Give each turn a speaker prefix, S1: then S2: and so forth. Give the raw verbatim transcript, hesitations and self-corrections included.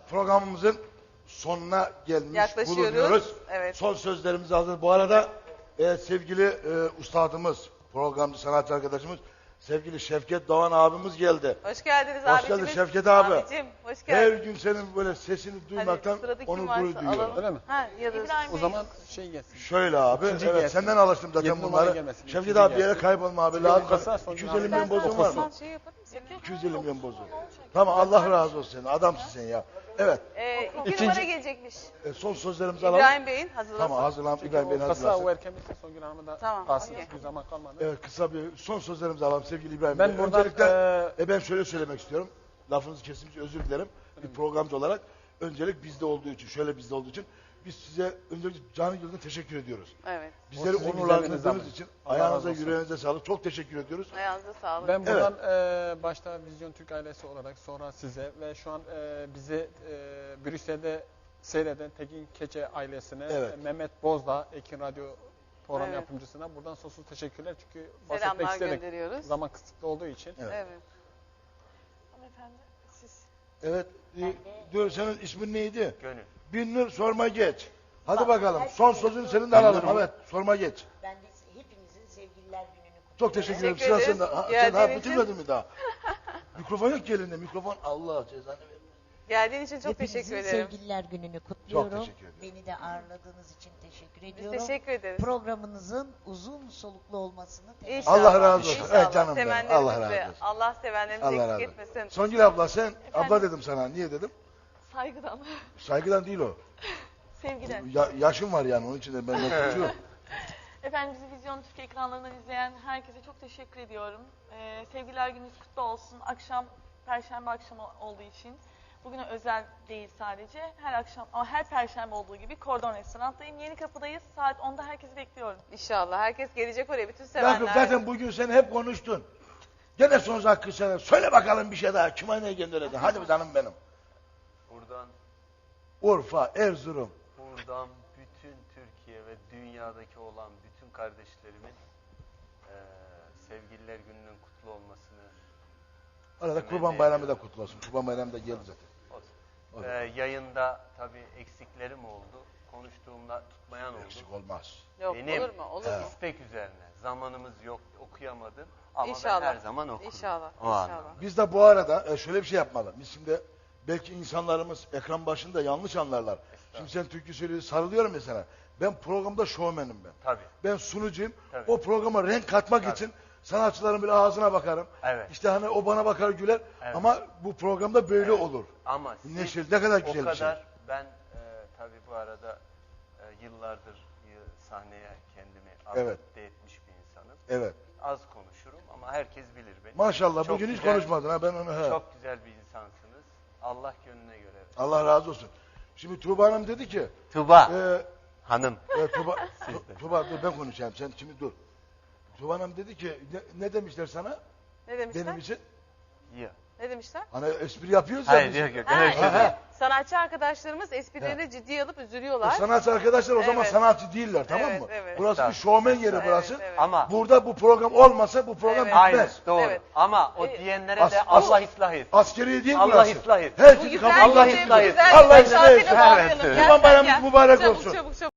S1: programımızın sonuna gelmiş
S2: Yaklaşıyoruz.
S1: bulunuyoruz.
S2: Evet.
S1: Son sözlerimiz hazır. Bu arada e, sevgili e, ustadımız, programcı sanatçı arkadaşımız, sevgili Şevket Doğan abimiz geldi.
S2: Hoş geldiniz
S1: Hoş
S2: abicimiz.
S1: geldin Şevket abi.
S2: Abicim hoş
S1: Her
S2: geldin.
S1: gün senin böyle sesini duymaktan
S2: Hadi sıradaki
S1: onur
S2: kim varsa
S1: gurur duyuyorum.
S2: alalım.
S3: Öyle mi?
S2: Ha, ya da
S4: İbrahim
S3: O
S4: Bey.
S3: zaman şey gelsin.
S1: Şöyle abi,
S3: İkinci
S1: evet
S3: gelsin.
S1: senden alıştım zaten
S3: Yedi numara
S1: bunları.
S3: gelmesin,
S1: Şevket
S3: ikinci
S1: abi bir yere
S3: gelsin.
S1: kaybolma abi.
S3: Çünkü
S1: Lazım.
S3: kasa son
S1: iki yüz
S3: gün
S1: elli milyon
S3: alacağız.
S1: bozun var mı?
S2: Sen şey yapar mısın?
S1: iki yüz elli milyon bozun. Tamam Allah razı olsun senin. Adamsın sen ya. Evet.
S2: Ee, iki
S3: İkinci-
S2: numara gelecekmiş.
S1: e, son sözlerimizi alalım.
S2: İbrahim Bey'in hazırlasın.
S1: Tamam hazırlan. İbrahim Bey'in
S3: Kasa o
S1: hazırlasın.
S3: erken bitse Songül Hanım'a da
S2: Tamam,
S3: kalsın.
S2: okey.
S3: Çünkü zaman kalmadı.
S1: Evet kısa bir son sözlerimizi alalım sevgili İbrahim
S3: Ben
S1: Bey.
S3: buradan,
S1: Öncelikle
S3: eee,
S1: e, ben şöyle söylemek istiyorum. Lafınızı kesinlikle özür dilerim. Bir programcı olarak öncelik bizde olduğu için, şöyle bizde olduğu için biz size öncelikle canı gönülden teşekkür ediyoruz.
S2: Evet.
S1: Bizleri
S3: O sizin
S1: onurlandırdığınız
S3: güzelliğiniz
S1: için
S3: Allah
S1: ayağınıza,
S3: razı olsun.
S1: yüreğinize sağlık. Çok teşekkür ediyoruz.
S2: Ayağınıza sağlık.
S3: Ben buradan eee, başta Vizyon Türk ailesi olarak sonra size ve şu an eee, bizi eee, Brüksel'de seyreden Tekin Keçe ailesine,
S1: Evet.
S3: e, Mehmet Bozdağ, Ekin Radyo program
S2: Evet.
S3: yapımcısına buradan sonsuz teşekkürler. Çünkü bahsetmek
S2: Selamlar
S3: istedik.
S2: gönderiyoruz.
S3: Zaman kısıtlı olduğu için.
S1: Evet.
S2: Evet.
S4: Hanımefendi siz.
S1: Evet. E, diyor senin ismin neydi?
S5: Gönül.
S1: Binnur sorma geç. Hadi
S6: Bak,
S1: bakalım.
S6: herkese
S1: Son sözünü
S6: çok-
S1: senin de alalım.
S3: Binnur mu?
S1: Evet. Sorma geç.
S6: Ben de hepinizin sevgililer gününü kutluyorum.
S1: Çok teşekkür ederim.
S2: Teşekkür
S1: Sıra
S2: ederiz.
S1: sende. Ha, sen daha
S2: Geldiğin için-
S1: bitirmedin mi daha? Mikrofon yok ki elinde. Mikrofon Allah cezanı versin.
S2: Geldiğin için çok
S6: Hepinizin
S2: teşekkür ederim.
S6: sevgililer gününü kutluyorum.
S1: Çok teşekkür ederim.
S6: Beni de ağırladığınız için teşekkür
S2: Biz
S6: ediyorum.
S2: teşekkür ederiz.
S6: Programınızın uzun soluklu olmasını temenni
S2: İnşallah.
S1: Allah razı olsun.
S2: İnşallah.
S1: Evet canım benim.
S2: Sevenlerimizi
S1: Allah razı
S2: de-
S1: olsun.
S2: Allah sevenlerimizi
S1: Allah
S2: eksik
S1: razı olsun.
S2: etmesin.
S1: Songül abla sen, abla dedim sana. Niye dedim?
S4: Saygıdan,
S1: Saygıdan değil o.
S4: sevgiden.
S1: Ya, yaşım var yani onun için de ben de tutuyorum.
S4: Efendim bizi Vizyon Türk ekranlarından izleyen herkese çok teşekkür ediyorum. Ee, sevgililer gününüz kutlu olsun. Akşam, Perşembe akşamı olduğu için. Bugüne özel değil sadece. Her akşam ama her Perşembe olduğu gibi Kordon Restoran'tayım. Yeni Kapı'dayız. Saat onda herkesi bekliyorum.
S2: İnşallah. Herkes gelecek oraya. Bütün
S1: Yakup
S2: sevenler.
S1: zaten bugün sen hep konuştun. Gene söz hakkı sana. Söyle bakalım bir şey daha. Kime ne göndereceksin? Hadi bir canım benim.
S5: Buradan
S1: Urfa, Erzurum.
S5: buradan bütün Türkiye ve dünyadaki olan bütün kardeşlerimin eee sevgililer gününün kutlu olmasını
S1: Arada
S5: Temenni
S1: Kurban Bayramı da
S5: ediyorum.
S1: kutlu olsun. Kurban Bayramı da geldi zaten.
S5: olsun.
S1: Olur.
S5: Eee, yayında tabii eksiklerim oldu. Konuştuğumda tutmayan oldu.
S1: Eksik olmaz.
S2: Yok
S5: Benim-
S2: olur mu? Olur mu?
S5: İstek üzerine. Zamanımız yok, okuyamadım. Ama
S2: İnşallah.
S5: ben her zaman okurum.
S2: İnşallah.
S5: O anlamda.
S2: İnşallah.
S1: Biz de bu arada e, şöyle bir şey yapmalı. Biz şimdi belki insanlarımız ekran başında yanlış anlarlar. Şimdi sen türkü söylüyorsun, sarılıyorum mesela. Ben programda şovmenim ben.
S5: Tabii.
S1: Ben sunucuyum.
S5: Tabii.
S1: O programa renk katmak
S5: Tabii.
S1: için sanatçıların bile ağzına bakarım.
S5: Evet.
S1: İşte hani o bana bakar güler.
S5: Evet.
S1: Ama bu programda böyle olur.
S5: Ama siz
S1: Neşeli, ne kadar
S5: o
S1: güzel bir şey.
S5: kadar ben e, tabii bu arada e, yıllardır y- sahneye kendimi
S1: Evet.
S5: adapte etmiş bir insanım.
S1: Evet.
S5: Az konuşurum ama herkes bilir beni.
S1: Maşallah
S5: Çok
S1: bugün hiç
S5: güzel-
S1: konuşmadın ha ben onu he.
S5: Çok güzel bir insansınız. Allah gönlüne göre.
S1: Allah razı olsun. Şimdi Tuğba Hanım dedi ki
S5: Tuba
S1: e,
S5: hanım.
S1: e, Tuğba,
S5: Siz de.
S1: Tu- Tuğba dur ben konuşayım sen şimdi dur. Tuğba Hanım dedi ki ne, ne demişler sana
S2: Ne demişler?
S1: benim için?
S5: Ya.
S2: Ne demişler?
S1: Hani espri yapıyoruz ya
S5: Hayır
S1: biz.
S5: yok yok.
S2: Ha,
S5: Öyle bir şey
S1: Ha,
S5: değil.
S1: ha.
S2: Sanatçı arkadaşlarımız esprilerini ciddiye alıp
S1: O
S2: üzülüyorlar.
S1: sanatçı arkadaşlar o zaman
S2: Evet.
S1: sanatçı değiller tamam
S2: Evet,
S1: mı?
S2: evet.
S1: Burası bir
S5: Tabii.
S1: şovmen yeri
S2: Evet,
S1: burası.
S2: evet.
S5: Ama
S1: Burada bu program olmasa bu program
S2: Evet.
S5: aynı
S1: bitmez.
S5: doğru.
S2: Evet.
S5: Ama o
S2: E,
S5: diyenlere
S1: as-
S5: de
S1: as-
S5: Allah ıslah etsin.
S1: Askeri değil
S5: Allah
S1: burası.
S5: ıslah etsin.
S1: Herkesi
S2: Güzel
S1: kabul
S5: Allah
S2: gece,
S5: ıslah etsin.
S2: güzel
S1: Allah
S2: gece,
S1: ıslah etsin.
S2: şarkıyla bağlayalım.
S5: Evet.
S2: Gel,
S1: Kurban
S2: gel,
S1: Bayramınız
S2: gel.
S1: mübarek
S2: Çabuk,
S1: olsun.
S2: Çabuk çabuk.